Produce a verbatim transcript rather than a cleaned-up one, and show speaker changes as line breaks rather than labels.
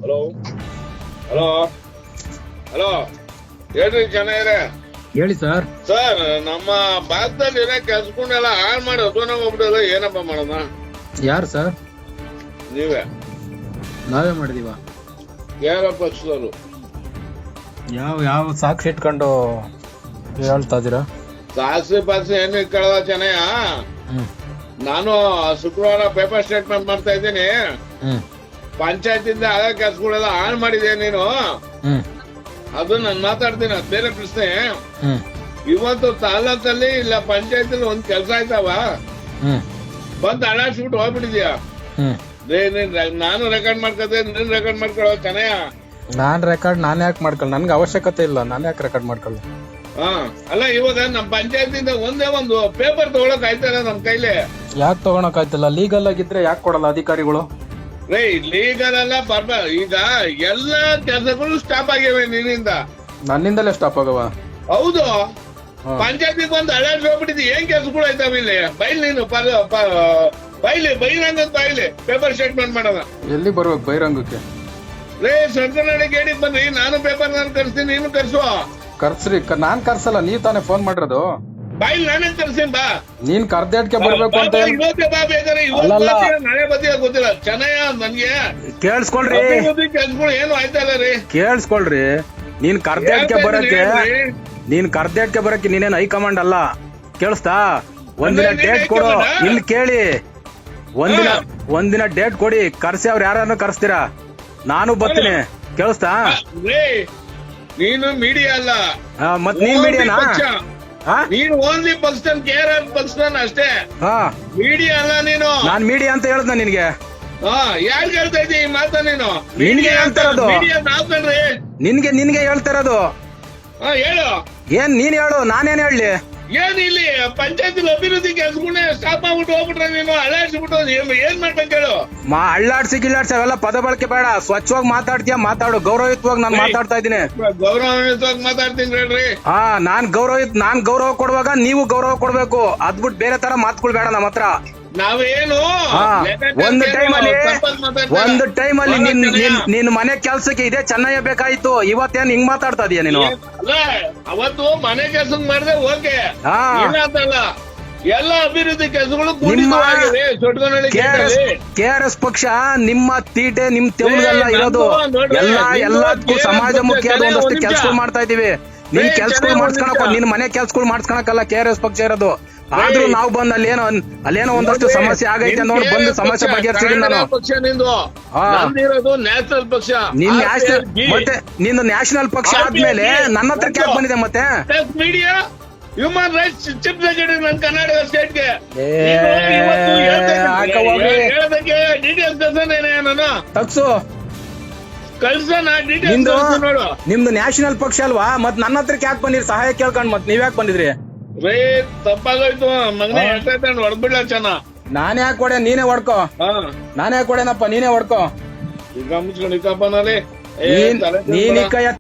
Hello hello hello ಹೇಳ್ರಿ ಚೆನ್ನಾಗಿದೆ
ಹೇಳಿ ಸರ್.
ಸರ್ ನಮ್ಮ ಭಾರತದಲ್ಲಿ ಇರೋ ಕೆಲ್ಸಗಳನ್ನೆಲ್ಲ ಹಾಳು ಮಾಡಿ ಹೊಸನ ಹೋಗ್ಬಿಡಲ್ಲ, ಏನಪ್ಪ ಮಾಡೋಣ?
ಯಾರು ಸರ್?
ನೀವೇ.
ನಾವೇ ಮಾಡಿದೀವ?
ಯಾರ ಪಕ್ಷದವರು?
ಯಾವ ಯಾವ ಸಾಕ್ಷಿ ಇಟ್ಕೊಂಡು ಹೇಳ್ತಾ ಇದೀರಾ?
ಸಾಕ್ಷಿ ಪಾಕ್ಷಿ ಏನು ಇಟ್ಕೊಳ್ಳ ಚೆನ್ನಯ್ಯ. ನಾನು ಶುಕ್ರವಾರ ಪೇಪರ್ ಸ್ಟೇಟ್ಮೆಂಟ್ ಮಾಡ್ತಾ ಇದ್ದೀನಿ. ಪಂಚಾಯತಿಂದ ಆಗ ಕೆಲ್ಸಗಳೆಲ್ಲ ಹಾಳು ಮಾಡಿದೆ ನೀನು, ಅದು ನಾನು ಮಾತಾಡ್ತೀನಿ, ಅದು ಬೇರೆ ಪ್ರಶ್ನೆ. ಇವತ್ತು ತಾಲೂಕಲ್ಲಿ ಇಲ್ಲ ಪಂಚಾಯತ್ ಒಂದ್ ಕೆಲ್ಸ ಆಯ್ತಾವ, ಬಂದ್ ಅಳಾಡ್ಸ್ಬಿಟ್ಟು ಹೋಗ್ಬಿಟ್ಟಿದ್ಯಾ. ನಾನು ರೆಕಾರ್ಡ್ ಮಾಡ್ಕೊತೆ, ನೀನ್ ರೆಕಾರ್ಡ್ ಮಾಡ್ಕೊಳ್ಳೋ ಚೆನ್ನಯ್ಯ.
ನಾನ್ ರೆಕಾರ್ಡ್ ನಾನ್ ಯಾಕೆ ಮಾಡ್ಕೊಳ್ಳ? ನನ್ಗೆ ಅವಶ್ಯಕತೆ ಇಲ್ಲ, ನಾನ್ ಯಾಕೆ ರೆಕಾರ್ಡ್ ಮಾಡ್ಕೊಳ್ಳ?
ಹಾ ಅಲ್ಲ, ಇವಾಗ ನಮ್ ಪಂಚಾಯತಿಂದ ಒಂದೇ ಒಂದು ಪೇಪರ್ ತಗೊಳಕ್ ಆಯ್ತಲ್ಲ ನಮ್ ಕೈಲಿ.
ಯಾಕೆ ತಗೊಳಕ್ ಆಯ್ತಲ್ಲ? ಲೀಗಲ್ ಆಗಿದ್ರೆ ಯಾಕೆ ಕೊಡಲ್ಲ ಅಧಿಕಾರಿಗಳು?
ರೇ ಲೀಗಲ್ ಅಲ್ಲ ಬರ್ಬ, ಈಗ ಎಲ್ಲಾ ಕೆಲಸಗಳು ಸ್ಟಾಪ್ ಆಗಿವೆ ನಿನ್ನಿಂದ.
ನನ್ನಿಂದಲೇ ಸ್ಟಾಪ್ ಆಗವ?
ಹೌದು, ಪಂಚಾಯತಿಗೆ ಬಂದು ಅಲರ್ಟ್ ಹೋಗ್ಬಿಟ್ಟಿದ್ದಿ. ಏನ್ ಕೆಲ್ಸಗಳು ಆಯ್ತಾವ ಇಲ್ಲಿ? ಬೈಲ್ ನೀನು ಬೈಲಿ ಬಹಿರಂಗ ಬೈಲಿ ಪೇಪರ್ ಸ್ಟೇಟ್ಮೆಂಟ್ ಮಾಡೋದ.
ಎಲ್ಲಿ ಬರ್ಬೇಕು ಬಹಿರಂಗಕ್ಕೆ?
ರೇ ಸರ್ಕಲ್ನಾಡಿ ಗೇಡಿಗೆ ಬನ್ನಿ, ನಾನು ಪೇಪರ್ ನಾನು ಕರ್ಸ್ತೀನಿ, ನೀನು ಕರ್ಸುವ.
ಕರ್ಸ್ರಿ, ನಾನ್ ಕರ್ಸಲ್ಲ, ನೀವ್ ತಾನೇ ಫೋನ್ ಮಾಡಿರೋದು.
ಬೈಲ್ ನಾನೇ ಕರ್ಸ್ತೀನಿ ಬಾ.
ನೀನ್ ಕರ್ದೇಟ್ಕೆ ಬರ್ಬೇಕು ಅಂತ
ಇವತ್ತೇ ಬಾ ಬೇಕಾದ್ರೆ, ನಾಳೆ ಬದಿಯ ಗೊತ್ತಿಲ್ಲ ಚೆನ್ನಯ್ಯ ನನ್ಗೆ.
ಕೇಳಿಸ್ಕೊಳ್ರಿ,
ಕೆಲ್ಸಗಳು ಏನು ಆಯ್ತಲ್ಲ ರೀ.
ಕೇಳಿಸ್ಕೊಳ್ರಿ, ನೀನ್ ಕರ್ದೇಟ್ಕೆ ಬರಕ್ಕೆ ನೀನ್ ಕರ್ದೇಟ್ಕೆ ಬರಕ್ಕೆ ನೀನೇನ್ ಹೈಕಮಾಂಡ್ ಅಲ್ಲ, ಕೇಳಿಸ್ತಾ? ಒಂದಿನ ಡೇಟ್ ಕೊಡು. ಇಲ್ಲಿ ಕೇಳಿ, ಒಂದಿನ ಒಂದಿನ ಡೇಟ್ ಕೊಡಿ, ಕರ್ಸಿ ಅವ್ರು ಯಾರನ್ನ ಕರ್ಸ್ತೀರಾ, ನಾನು ಬರ್ತೀನಿ, ಕೇಳಿಸ್ತಾ?
ನೀನು ಮೀಡಿಯಾ ಅಲ್ಲ,
ಮತ್ ನೀನ್ ಮೀಡಿಯಾನಾ?
ನೀನು ಓನ್ಲಿ ಪಕ್ಷನ್ ಕೇರ್ ಪಕ್ಷನ್ ಅಷ್ಟೇ, ಮೀಡಿಯಾ ಅಲ್ಲ ನೀನು.
ನಾನ್ ಮೀಡಿಯಾ ಅಂತ ಹೇಳ್ದ ನಿನ್ಗೆ?
ಹಾ ಯಾರು ಹೇಳ್ತಾ ಇದ್ದೀ ಈ ಮಾತ? ನೀನು
ನಿನ್ಗೆ ಹೇಳ್ತಾ ಇರೋದು,
ಮೀಡಿಯಾ ನಾವ್ ಕಣ್ರಿ.
ನಿನ್ಗೆ ನಿನ್ಗೆ ಹೇಳ್ತಾ ಇರೋದು.
ಹಾ ಹೇಳು,
ಏನ್ ನೀನ್ ಹೇಳು, ನಾನೇನ್ ಹೇಳಿ?
ಏನ್ ಇಲ್ಲಿ ಪಂಚಾಯತ್ ಅಭಿವೃದ್ಧಿ ಕೆಲ್ಸಗಳನ್ನ ಸ್ಟಾಪ್ ಆಗ್ಬಿಟ್ಟು ಹೋಗ್ಬಿಟ್ರೆ ನೀನು ಅಳ್ಳಾಡ್ಸ್ಬಿಟ್ಟು ಏನ್ ಮಾಡ್ಬೇಕು ಹೇಳು?
ಮಾ ಅಳ್ಳಾಡ್ಸಿ ಗಿಳ್ಳಾಡ್ಸಿ ಅವೆಲ್ಲ ಪದ ಬಳಕೆ ಬೇಡ, ಸ್ವಚ್ಛವಾಗಿ ಮಾತಾಡ್ತೀಯ ಮಾತಾಡು, ಗೌರವಯುತವಾಗಿ ನಾನು ಮಾತಾಡ್ತಾ ಇದ್ದೀನಿ.
ಗೌರವಯುತವಾಗಿ ಮಾತಾಡ್ತೀನಿ ಹೇಳ್ರಿ.
ಹಾ ನಾನ್ ಗೌರವ ನಾನ್ ಗೌರವ ಕೊಡುವಾಗ ನೀವು ಗೌರವ ಕೊಡ್ಬೇಕು, ಅದ್ಬಿಟ್ಟು ಬೇರೆ ತರ ಮಾತುಗಳು ಬೇಡ ನಮ್ಮ ಹತ್ರ.
ನಾವೇನು
ಒಂದು ಟೈಮ್ ಅಲ್ಲಿ ಒಂದು ಟೈಮ್ ಅಲ್ಲಿ ನಿನ್ ನಿನ್ ಮನೆ ಕೆಲ್ಸಕ್ಕೆ ಇದೆ ಚೆನ್ನಯ್ಯ ಬೇಕಾಯ್ತು, ಇವತ್ತೇನ್ ಹಿಂಗ್ ಮಾತಾಡ್ತಾ ಇದೀಯ ನೀನು?
ಅವತ್ತು ಮನೆ ಕೆಲ್ಸ ಮಾಡಿದ್ರೆ ಓಕೆ, ಎಲ್ಲ ಅಭಿವೃದ್ಧಿ ಕೆಲಸಗಳು
ಕೆ ಆರ್ ಎಸ್ ಪಕ್ಷ ನಿಮ್ಮ ತೀಟೆ ನಿಮ್ ತೆವಳಿಗೆಲ್ಲ ಇರೋದು, ಎಲ್ಲ ಎಲ್ಲದಕ್ಕೂ ಸಮಾಜಮುಖಿ ಆದ ಒಂದಷ್ಟು ಕೆಲ್ಸಗಳು ಮಾಡ್ತಾ ಇದೀವಿ. ನಿನ್ ಕೆಲ್ಸಗಳು ಮಾಡ್ಸ್ಕೊಳಕ್, ನಿನ್ ಮನೆ ಕೆಲ್ಸಗಳು ಮಾಡ್ಸ್ಕೊಳಕಲ್ಲ ಕೆ ಆರ್ ಎಸ್ ಪಕ್ಷ ಇರೋದು. ಆದ್ರೂ ನಾವು ಬಂದ್ ಅಲ್ಲೇನೋ ಅಲ್ಲೇನೋ ಒಂದಷ್ಟು ಸಮಸ್ಯೆ ಆಗೈತೆ ನೋಡಿ ಬಂದು ಸಮಸ್ಯೆ ಬಗೆಹರಿಸಿದೀನಿ ನಾನು.
ನ್ಯಾಷನಲ್ ಪಕ್ಷ,
ನಿನ್ ನ್ಯಾಷನಲ್ ಮತ್ತೆ ನಿಂದು ನ್ಯಾಷನಲ್ ಪಕ್ಷ ಆದ್ಮೇಲೆ ನನ್ನ ಹತ್ರ ಕ್ಯಾಕ್ ಬಂದಿದೆ ಮತ್ತೆ
media human rights chief secretary ನನ್ನ ಕರ್ನಾಟಕ ಸ್ಟೇಟ್ಗೆ ಹೇಳೋದಕ್ಕೆ ಡೀಟೇಲ್ಸ್ ಕಳ್ಸನೇನೆ ನಾನು
ತಗ್ಸು
ಕಳ್ಸೋಣ ಡೀಟೇಲ್ಸ್ ನೋಡು.
ನಿಮ್ದು ನ್ಯಾಷನಲ್ ಪಕ್ಷ ಅಲ್ವಾ, ಮತ್ ನನ್ನ ಹತ್ರ ಕ್ಯಾಕ್ ಬಂದಿರಿ ಸಹಾಯ ಕೇಳ್ಕೊಂಡ್, ಮತ್ ನೀವ್ ಯಾಕೆ ಬಂದಿದ್ರಿ?
ರೇ ತಪ್ಪಾಗೋಯ್ತು ಮಗನೇ, ಎಷ್ಟೈತೆ ಹೊಡ್ಬಿಡ್ಲ ಚೆನ್ನ.
ನಾನೇ ಯಾಕೆ ಕೊಡೆ, ನೀನೇ ಹೊಡ್ಕೋ. ನಾನೇ ಕೊಡೆನಪ್ಪ, ನೀನೇ ಹೊಡ್ಕೋ.
ಈಗ ಮುಚ್ಕೊಂಡಿಕ್ಕಪ್ಪ ನಾಳೆ
ನೀನ್ ಕೈ